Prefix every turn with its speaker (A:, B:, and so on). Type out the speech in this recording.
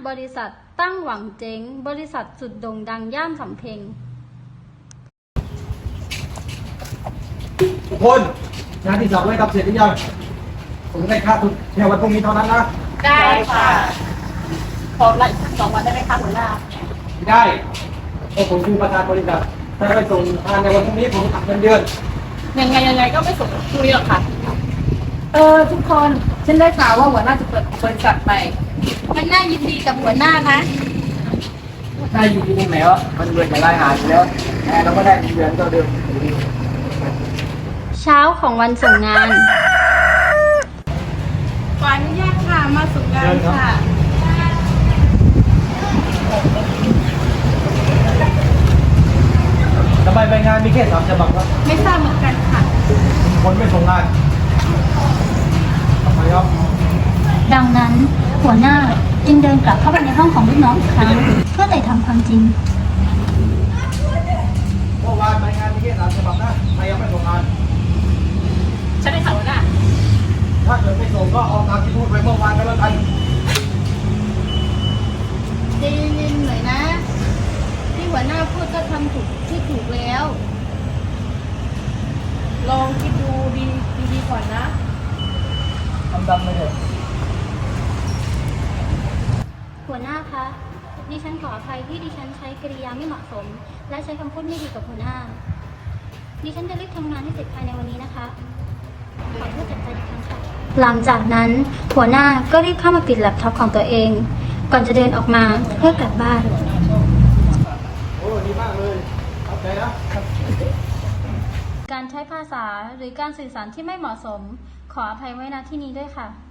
A: บริษัทตั้งหวังเจ๊งบริษัทสุดโด่งดังย่านสำเพ็ง
B: ทุกคนงานที่สั่งไว้ทำเสร็จหรือยังผมได้ค่าทุนแค่วันพรุ่งนี้เท่านั้นนะ
C: ได้ค่ะขอละอีก2 วันได้ไหมคะหัวหน้า
B: ไม่ได้เพราะผมคือประธานบริษัทถ้าไม่ส่งงานในวันพรุ่งนี้ผมตัดเงินเดือน
C: ยังไงก็ไม่ส่งพรุ่งนี้หรอกค่ะทุกคนฉันได้ข่าวว่าหัวหน้าจะเปิดบริษัทใหม่มันน่ายินดีกับหัวหน้านะ
B: ได้อยู่ที่นี่แล้วมันเดือนจะได้หายอยู่แล้วแต่เราก็ได้เงินเดือนเท่าเดิม
A: เช้าของวันส่งงาน
C: ขออนุญาตค่ะมาส่งงานค่ะ
B: ทำไมใบงานมีแค่3 ฉบับครับ
C: ไม่ทราบเหมือนกันค่ะ
B: คนไม่ส่งงานทำไมครับ
A: ดังนั้นหัวหน้าจึงเดินกลับเข้าไปในห้องของลูกน้องอีกครั้งเพื่อไต่ถามความจริง
B: เมื่อวานใบงานมีแค่3 ฉบับนะใครยังไม่ส่งงาน
C: ฉันได้ข่าวหัวหน้า
B: ถ้าเกิดไม่ส่งก็เอาตามที่พูดไปเมื่อวานก็แล้วกัน
A: ใจเย็นๆหน่อยนะที่หัวหน้าพูดก็ทำถูกแล้ว
C: ลองคิดดูดีก่อนนะ
B: ทำดำไปเลย
A: หัวหน้าคะดิฉันขออภัยที่ดิฉันใช้กริยาไม่เหมาะสมและใช้คำพูดไม่ดีกับหัวหน้าดิฉันจะรีบทำงานให้เสร็จภายในวันนี้นะคะขอโทษจากใจอีกครั้งค่ะหลังจากนั้นหัวหน้าก็รีบเข้ามาปิดแล็ปท็อปของตัวเองก่อนจะเดินออกมาเพื่อกลับบ้าน
B: โอ้ดีมากเลยเข้าใจนะ
A: การใช้ภาษาหรือการสื่อสารที่ไม่เหมาะสมขออภัยไว้ณที่นี้ด้วยค่ะ